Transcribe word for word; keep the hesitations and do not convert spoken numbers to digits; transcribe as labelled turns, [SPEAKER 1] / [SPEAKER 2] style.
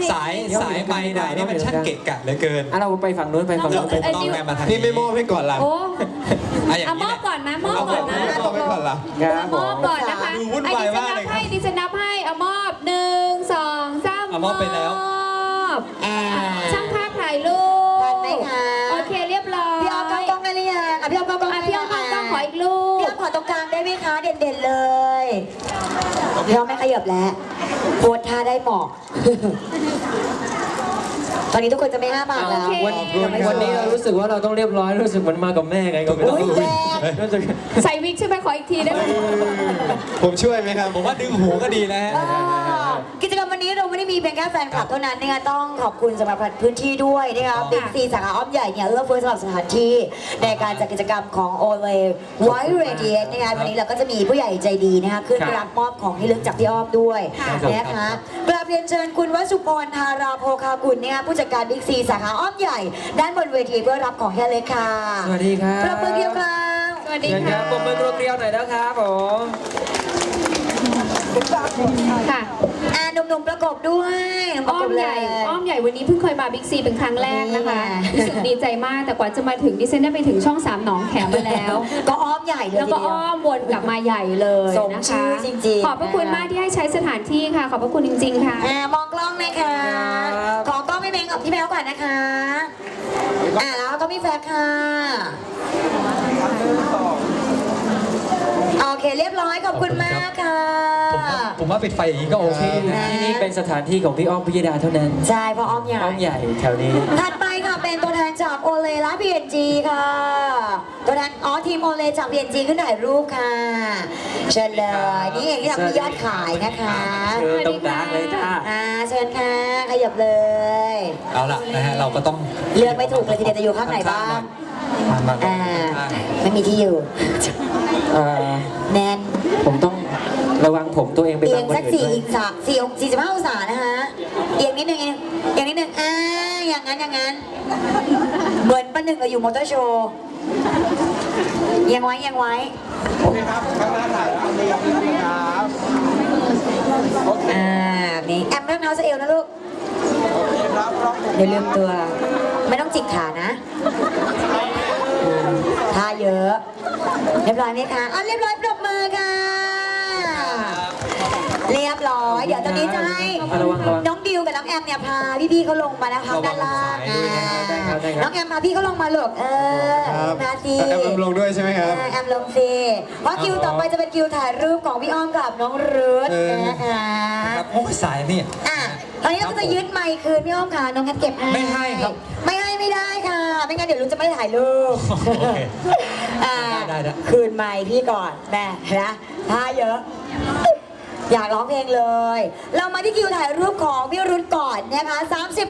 [SPEAKER 1] สายสายไม้ไหนนี่มันช่างเกะกะเหลือเกิน
[SPEAKER 2] อ่ะเราไปฝั่งนู้นไปฝั่งนู้นไป
[SPEAKER 1] ต้องแม่มาทาง
[SPEAKER 3] พี่ไม่มอบให้ก่อนล่ะ
[SPEAKER 4] โอ้
[SPEAKER 1] อ่ะอย่าง
[SPEAKER 4] เอาม
[SPEAKER 1] นี้
[SPEAKER 4] อบก่อนไหมมอบ
[SPEAKER 1] เอา
[SPEAKER 4] ก่อนนะ
[SPEAKER 3] มอบให้ก่อนล่ะ
[SPEAKER 2] ครับ
[SPEAKER 4] ม
[SPEAKER 2] ผ
[SPEAKER 4] อบ
[SPEAKER 2] ม
[SPEAKER 4] ก่อนนะคะ
[SPEAKER 1] ดูวุ่นวายมากเลยครับ
[SPEAKER 4] ดิฉันนับให้ดิฉันนับให้เอามอบหนึ่งสองสาม
[SPEAKER 1] เอามอบไปแล้ว
[SPEAKER 4] มอบ
[SPEAKER 5] อ่า
[SPEAKER 4] ช่างภาพถ่ายรูป
[SPEAKER 5] ทันไหมคะ
[SPEAKER 4] โอเคเรียบร้อย
[SPEAKER 5] พี่ออฟกล้องกล้องได้หรือยังอ่ะพี่ออฟกล้องกล้อง
[SPEAKER 4] อ่ะ
[SPEAKER 5] ได้
[SPEAKER 4] พี่ออฟกล้องกล้องขออีกรูป
[SPEAKER 5] พี่ออฟขอตรงกลางได้ไหมคะเด่นๆเลยพี่ออฟไม่ขยับแล้วโพสท่าได้เหมาะ ตอนนี้ทุกคนจะไม่ห้าบาทแล้ว
[SPEAKER 2] วันวันนี้เรารู้สึกว่าเราต้องเรียบร้อยรู้สึกเหมันมากับแม่ไงก็ไม่รู้
[SPEAKER 5] อุ๊ยแรง
[SPEAKER 2] รู้สึก
[SPEAKER 4] ใส่วิกใช่ไหมขออีกทีได้ไหม
[SPEAKER 3] ผมช่วยไหมครับ
[SPEAKER 1] ผมว่าดึงหูก็ดีนะฮะ
[SPEAKER 5] อ่ากิจกรรมวันนี้เราไม่ได้มีเพียงแค่แฟนคลับเท่านั้นนะคะต้องขอบคุณสำหรับพื้นที่ด้วยนะคะบิ๊กซีสาขาอ้อมใหญ่เนี่ยเอื้อเฟื้อสำหรับสถานที่ในการจัดกิจกรรมของโอเลไวท์เรเดียนนะคะวันนี้เราก็จะมีผู้ใหญ่ใจดีนะคะขึ้นรับมอบของที่ระลึกจากพี่อ้อมด้วยนะคะกราบเรียนเชิญคุณวสุพรธาราโภคากุลนะคะผู้จัดการบิ๊กซีสาขาอ้อมใหญ่ด้านบนเวทีเพื่อรับของที่ระลึกค่ะ
[SPEAKER 2] สวัสดีครับ
[SPEAKER 5] ประมือเดียวครับ
[SPEAKER 4] สวัสดี
[SPEAKER 2] เชิญค
[SPEAKER 4] ค่ะ
[SPEAKER 2] รับปมมือเกลียวๆหน่อยนะครับผม
[SPEAKER 4] ค่ะ
[SPEAKER 5] อ่าหนุ่มๆประกบด้วยประ
[SPEAKER 4] อ้อก ม
[SPEAKER 5] บเล
[SPEAKER 4] ใหญ่
[SPEAKER 5] ย
[SPEAKER 4] อ้อมใหญ่วันนี้เพิ่งเคยมาบิ๊กซีเป็นครั้งแรกนะคะ
[SPEAKER 5] นี่ไง
[SPEAKER 4] รู้สึกดีใจมากแต่กว่าจะมาถึงดิฉันได้ไปถึงช่องสามหนองแขมมาแล้ว
[SPEAKER 5] ก็อ้อมใหญ่เลย
[SPEAKER 4] แล้วก็
[SPEAKER 5] ทีเดียว
[SPEAKER 4] อ้อมวนกลับมาใหญ่เลย
[SPEAKER 5] สม
[SPEAKER 4] นะ
[SPEAKER 5] ชื่
[SPEAKER 4] คะ
[SPEAKER 5] อจริงๆ
[SPEAKER 4] ขอบพระคุณ
[SPEAKER 5] นะคะ
[SPEAKER 4] มากที่ให้ใช้สถานที่ค่ะ ขอบพระคุณจริง ๆ ค่ะ
[SPEAKER 5] อ่ามองกล้องนะคะ
[SPEAKER 2] ครับ
[SPEAKER 5] ขอกล้องพี่เมงกับพี่แมวก่อนนะคะ อ่าแล้วก็พี่แฟกค่ะ โอเคเรียบร้อยขอบคุณมากค่ะ
[SPEAKER 1] ผมว่าผมว่าปิดไฟอย่างนี้ก็โอเคนะ
[SPEAKER 2] ที่นี่เป็นสถานที่ของพี่อ้อมพิยดาเท่านั้น
[SPEAKER 5] ใช่เพราะอ้อมใหญ่
[SPEAKER 2] อ้อมใหญ่แถวนี้
[SPEAKER 5] ถัดไปค่ะเป็นตัวแทนจากโอเลและ พี เอ็น จี ค่ะ ตัวแทนอ๋อทีมโอเลจาก พี เอ็น จี ขึ้นถ่ายรูปค่ะ เชิญเลย นี่เองที่ทำให้ยอดขายนะคะ
[SPEAKER 2] เชิญตรงกลางเลยจ้า
[SPEAKER 5] อ่าเชิญค่ะขยับเลย
[SPEAKER 1] เอาล่ะนะฮะเราก็ต้อง
[SPEAKER 5] เลือกไม่ถูกเลยทีเดียวจะอยู่ข้างไหนบ้าง
[SPEAKER 1] มามา
[SPEAKER 5] อ่า
[SPEAKER 1] ข้าง
[SPEAKER 5] ไม่มีที่อยู่
[SPEAKER 2] เอ่อ
[SPEAKER 5] แน่น
[SPEAKER 2] ผมต้องระวังผมตัวเองไป
[SPEAKER 5] เอี
[SPEAKER 2] บั
[SPEAKER 5] ย
[SPEAKER 2] ง
[SPEAKER 5] ง
[SPEAKER 2] คน
[SPEAKER 5] สัก
[SPEAKER 2] อื่น
[SPEAKER 5] สี่
[SPEAKER 2] ด้วย
[SPEAKER 5] อีกสามสี่องสี่สิบห้าองศานะคะเอียงนิดนึงเองเอียงนิดนึงอ่าอย่างนั้นอย่างนั้นเหมือนประหนึ่งกับอยู่มอเตอร์โชว์เอียงไว้เอียงไว้โอเคครับข้างหน้าถ่ายแล้วนี่ครับอ่านี่แอมไม่ต้องเท้าสะเอวนะลูกเดี๋ยวลืมตัว ไม่ต้องจิกขานะอืมท่าเยอะ เรียบร้อยไหมคะอ่ะเรียบร้อยปรบมือค่ะ เรียบร้อย เดี๋ยวตอนนี้จะให้
[SPEAKER 2] อ่ะระวังระวัง
[SPEAKER 5] น้องดิวกับน้องแอมเนี่ยพาพี่ๆเขาลงมานะคะด้านล่างอ่า
[SPEAKER 2] ได้ครับได้ครับ
[SPEAKER 5] น้องแอมพาพี่เขาลงมาลูกเออ
[SPEAKER 3] ครับ
[SPEAKER 5] มาสิ
[SPEAKER 3] แอมลงด้วยใช่ไหมครับ
[SPEAKER 5] อ่าแอมลงสิเพราะคิวต่อไปจะเป็นคิวถ่ายรูปของพี่อ้อมกับน้องรุธ
[SPEAKER 3] เออ
[SPEAKER 5] นะคะ
[SPEAKER 1] ครับโอ้ยสายนี่
[SPEAKER 5] อ่ะตอนนี้เราก็จะยึดไมค์คืนพี่อ้อมค่ะน้องแคทเก็บให้
[SPEAKER 1] ไม่ให้ครับ
[SPEAKER 5] ไม่ให้ไม่ได้ค่ะ ไม่งั้นเดี๋ยวรุธจะไม่ถ่ายรูป
[SPEAKER 1] โอเค
[SPEAKER 5] อ่า
[SPEAKER 1] ได้ได้
[SPEAKER 5] คืนไมค์พี่ก่อนแม่นะท่าเยอะ อยากร้องเพลงเลย เรามาที่คิวถ่ายรูปของพี่รุธก่อนนะคะสามสิบ